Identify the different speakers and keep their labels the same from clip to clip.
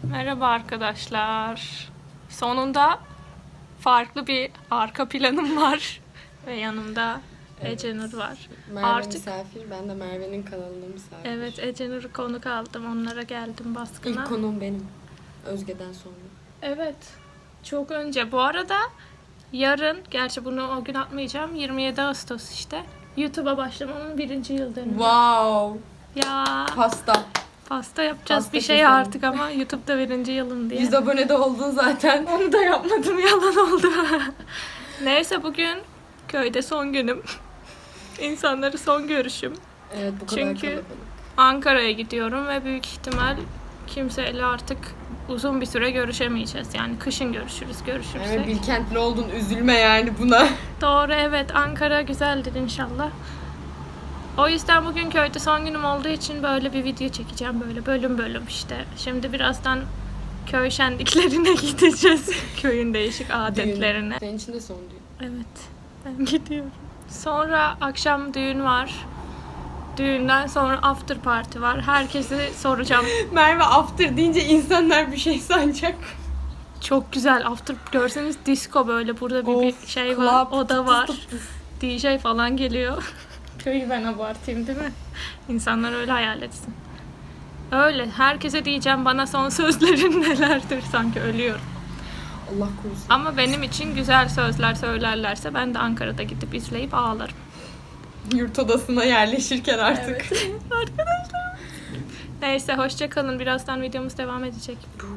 Speaker 1: Merhaba arkadaşlar. Sonunda farklı bir arka planım var. Ve yanımda Ecenur var.
Speaker 2: Merve misafir, ben de Merve'nin kanalında misafir.
Speaker 1: Evet, Ecenur'u konuk aldım. Onlara geldim baskına.
Speaker 2: İlk konuğum benim. Özge'den sonra.
Speaker 1: Evet. Çok önce. Bu arada yarın, gerçi bunu o gün atmayacağım. 27 Ağustos işte. YouTube'a başlamamın 1. yıl dönümü.
Speaker 2: Wow.
Speaker 1: Ya. Pasta yapacağız
Speaker 2: Pasta
Speaker 1: bir şey
Speaker 2: keselim.
Speaker 1: artık ama YouTube'da 1. yılım diye.
Speaker 2: 100 abone de oldun zaten.
Speaker 1: Onu da yapmadım, yalan oldu. Neyse, bugün köyde son günüm. İnsanları son görüşüm.
Speaker 2: Evet, bu kadar
Speaker 1: Çünkü
Speaker 2: kalabalık.
Speaker 1: Ankara'ya gidiyorum ve büyük ihtimal kimseyle artık uzun bir süre görüşemeyeceğiz. Yani kışın görüşürüz, görüşürsek.
Speaker 2: Merve Bilkentli oldun, üzülme yani buna.
Speaker 1: Doğru, evet, Ankara güzeldir inşallah. O yüzden bugün köyde son günüm olduğu için böyle bir video çekeceğim, böyle bölüm bölüm işte. Şimdi birazdan köy şenliklerine gideceğiz. Köyün değişik adetlerine.
Speaker 2: Senin için de son düğün.
Speaker 1: Evet, ben gidiyorum. Sonra akşam düğün var. Düğünden sonra after party var. Herkesi soracağım.
Speaker 2: Merve after deyince insanlar bir şey sanacak.
Speaker 1: Çok güzel after, görseniz disco, böyle burada bir
Speaker 2: Of,
Speaker 1: şey var,
Speaker 2: club,
Speaker 1: oda var.
Speaker 2: tıs tıs tıs.
Speaker 1: DJ falan geliyor. Köyü ben abartayım değil mi? İnsanlar öyle hayal etsin. Öyle. Herkese diyeceğim bana son sözlerin nelerdir, sanki ölüyorum.
Speaker 2: Allah korusun.
Speaker 1: Ama benim için güzel sözler söylerlerse ben de Ankara'da gidip izleyip ağlarım.
Speaker 2: Yurt odasına yerleşirken artık.
Speaker 1: Evet. Arkadaşlar. Neyse, hoşça kalın. Birazdan videomuz devam edecek.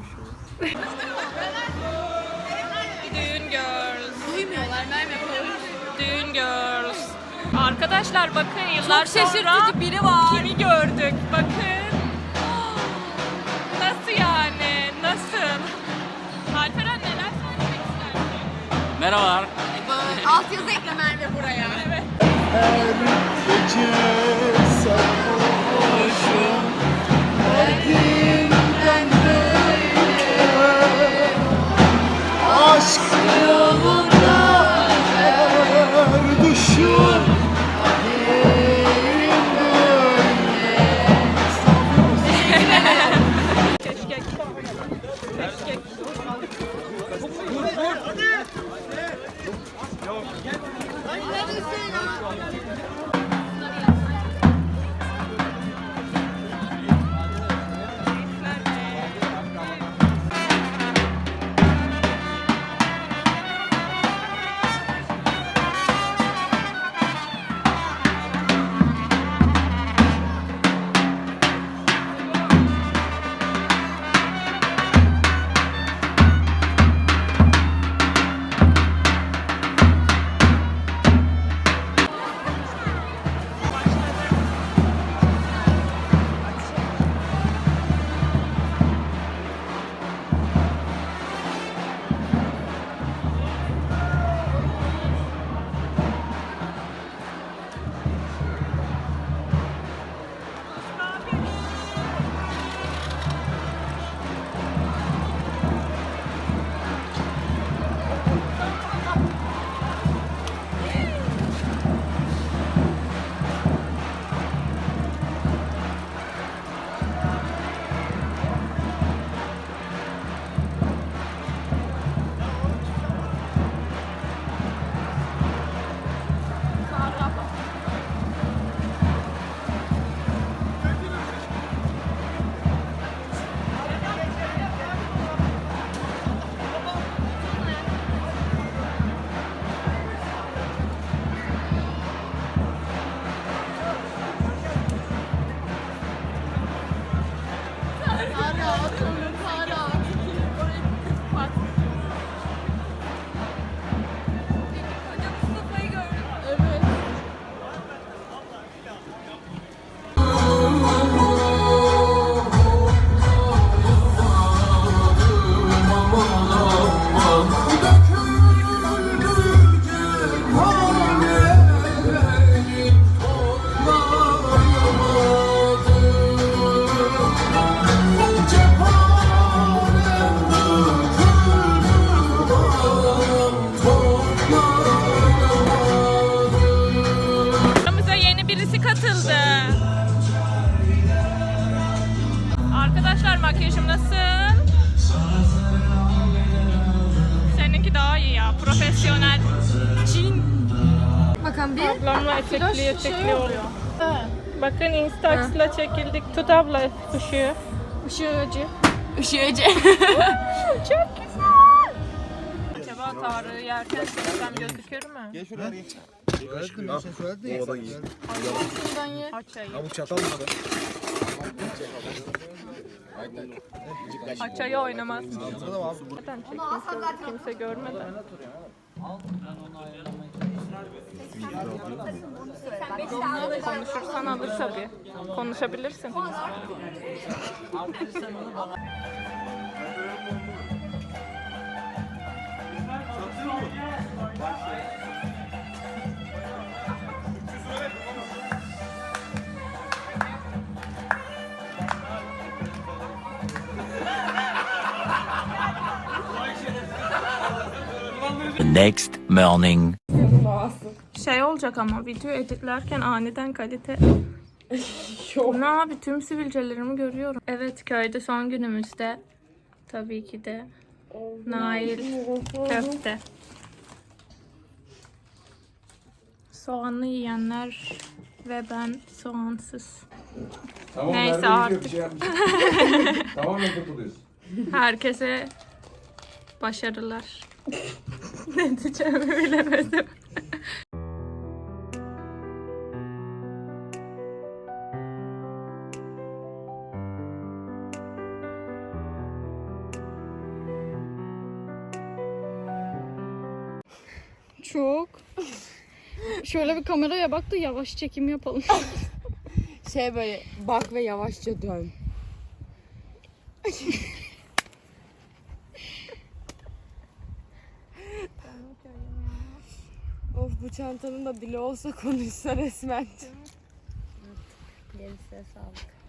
Speaker 1: Düğün girls.
Speaker 2: Duymuyorlar Merve.
Speaker 1: Düğün girls. Arkadaşlar bakın, yıllar
Speaker 3: Çok şaşırtıcı
Speaker 1: sonra
Speaker 3: biri var.
Speaker 1: kimi gördük. Bakın. Nasıl yani? Nasıl? Alperen, neler söylemek istersin?
Speaker 4: Merhabalar.
Speaker 3: Altyazı ekle Merve buraya.
Speaker 1: Evet.
Speaker 5: Her gece sarhoşum Derdimden böyle Aşk yolunda her düşüm Kaderim böyle
Speaker 1: Keşkek. Keşkek.
Speaker 5: Cephaneler
Speaker 3: zaten bir.
Speaker 1: Ablamla etekliye oluyor. Bakın Instax'la çekildik. Tut abla ışığı. Işığıcı.
Speaker 3: Işığıcı.
Speaker 1: Çok güzel. Acaba Tarık'ı yerken söylesem gözükür mü?
Speaker 5: Gel şuraya arayayım. Söyledim ya sen söyledin ya.
Speaker 3: Şuradan ye.
Speaker 1: Açayı.
Speaker 5: Ha bu çatal mı?
Speaker 1: Açayı oynamaz.
Speaker 5: Burada da var.
Speaker 1: Zaten kimse görmeden. Konuşursan alır tabii. Konuşabilirsin.
Speaker 4: The next morning.
Speaker 1: Şey olacak ama video editlerken aniden kalite. Ne abi tüm sivilcelerimi görüyorum. Evet köyde son günümüzde tabii ki de Nail köfte. Soğanlı yiyenler ve ben soğansız.
Speaker 6: Tamam,
Speaker 1: Neyse
Speaker 6: Merve
Speaker 1: artık.
Speaker 6: Bir şey yapmış. Tamamen kurtuluyorsun.
Speaker 1: Herkese başarılar. Ne diyeceğimi bilemedim.
Speaker 3: Çok. Şöyle bir kameraya bak da yavaş çekim yapalım.
Speaker 2: Şey böyle bak ve yavaşça dön. Of bu çantanın da dili olsa konuşsa resmen.
Speaker 3: Gerisine sağlık.